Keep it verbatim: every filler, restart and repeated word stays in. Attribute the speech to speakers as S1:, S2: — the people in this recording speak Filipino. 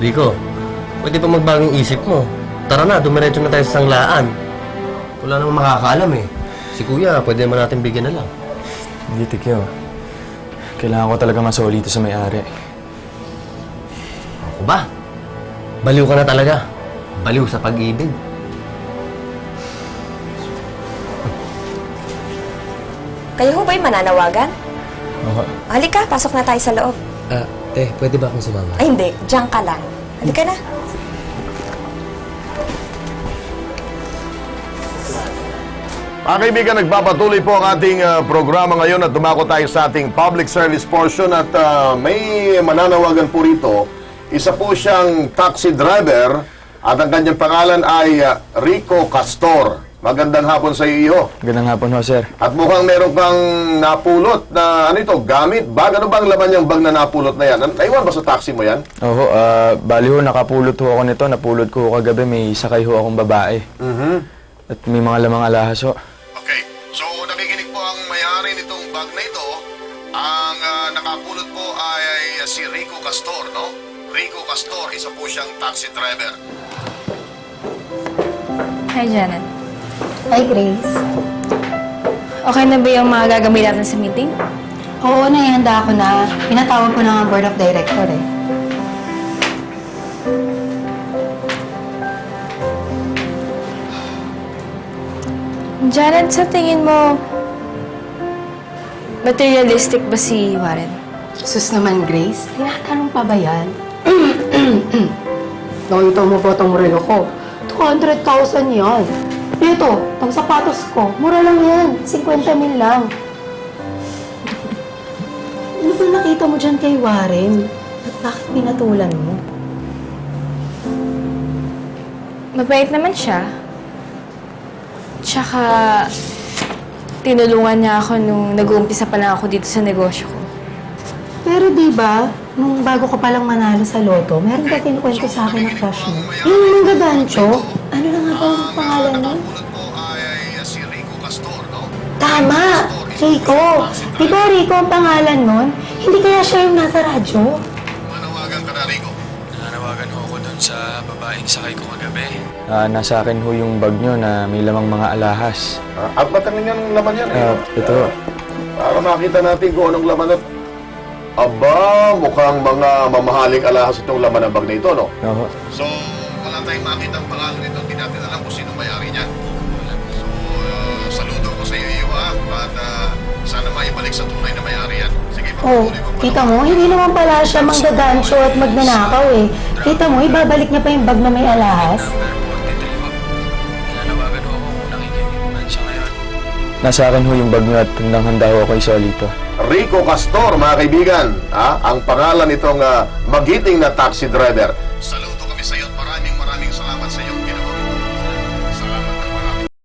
S1: Rico, pwede pa magbagong isip mo. Tara na, dumiretso na tayo sa sanglaan. Wala namang makakaalam eh. Si Kuya, pwede naman natin bigyan na lang.
S2: Hindi, Tikyo. Kailangan ko talaga masoli ito sa may-ari.
S1: Ako ba? Baliw ka na talaga. Baliw sa pag-ibig.
S3: Kayo ho ba'y mananawagan?
S2: Oo.
S3: Halika, pasok na tayo sa loob.
S1: Ah, te, pwede ba akong sumama?
S3: Ay, hindi. Diyan ka lang. Halika na.
S4: Mga kaibigan, nagpapatuloy po ang ating uh, programa ngayon at dumako tayo sa ating public service portion at uh, may mananawagan po rito. Isa po siyang taxi driver at ang kanyang pangalan ay uh, Rico Castor. Magandang hapon sa iyo.
S2: Gandang hapon ho, sir.
S4: At mukhang meron kang napulot na ano ito, gamit, bag. Ano bang laman yung bag na napulot na yan? Naiwan ba sa taxi mo yan?
S2: Oo, ah, bali ho, nakapulot ho ako nito. Napulot ko ho kagabi, may sakay ho akong babae.
S4: Mhm.
S2: At may mga lamang alahas ho.
S4: Okay, so nakikinig po ang may-ari nitong bag na ito. Ang ah, nakapulot po ay, ay si Rico Castor, no? Rico Castor, isa po siyang taxi driver.
S5: Hi, Janet.
S6: Hi, Grace.
S5: Okay na ba yung mga gagawin natin sa meeting?
S6: Oo, naihanda ako na. Pinatawag ko na ang board of director eh.
S5: Janet, sa tingin mo, materialistic ba si Warren?
S6: Sus naman, Grace. Tinatanong pa ba yan? Nakita mo ba itong relo ko? two hundred thousand yan. Ito, pang sapatos ko, mura lang yan. fifty mil lang. Ano ba nakita mo dyan kay Warren? At bakit pinatulan mo?
S5: Mabait naman siya. Tsaka, tinulungan niya ako nung nag-uumpisa pa lang ako dito sa negosyo ko.
S6: Pero di ba, nung bago ka palang manalo sa loto, meron ka kinukwento sa akin na crush mo. Yung mga gadancho, ano na nga ba ang pangalan mo?
S4: Nakapulot po ay, ay si Rico Castor, no?
S6: Tama! Rico! Di ba Rico ang pangalan nun? Hindi kaya siya yung nasa radyo?
S4: Manawagan ka na, Rico.
S2: Nanawagan ho ako dun sa babaeng sakay ko kagabi. Ah, nasa akin ho yung bag nyo na may lamang mga alahas.
S4: Ah, at mataling yan laman yan,
S2: Ah,
S4: eh.
S2: ito.
S4: Para makita natin kung anong laman at... Aba, mukhang mga mamahaling alahas itong laman ng bag na ito, no?
S2: Oo.
S4: So, wala tayong makita ang pangalan nito. Hindi natin alam kung sino may-ari niyan. So, uh, saludo ko sa iyo, iyo ha? At uh, sana maibalik sa tunay na may-ari yan. Sige,
S6: Oh,
S4: pagpatuloy mo pa.
S6: kita mo, hindi naman pala siya manggadancho at magnanakaw eh. Kita mo, ibabalik niya pa yung bag na may alahas.
S2: Nanawagan ho ako kung nakikinig man siya ngayon. Nasa akin ho yung bag nyo at handang-handa ho ako isolito.
S4: Rico Castor, mga kaibigan, ha? Ang pangalan nitong uh, magiting na taxi driver. Saludo kami sa iyo at maraming maraming salamat sa iyo.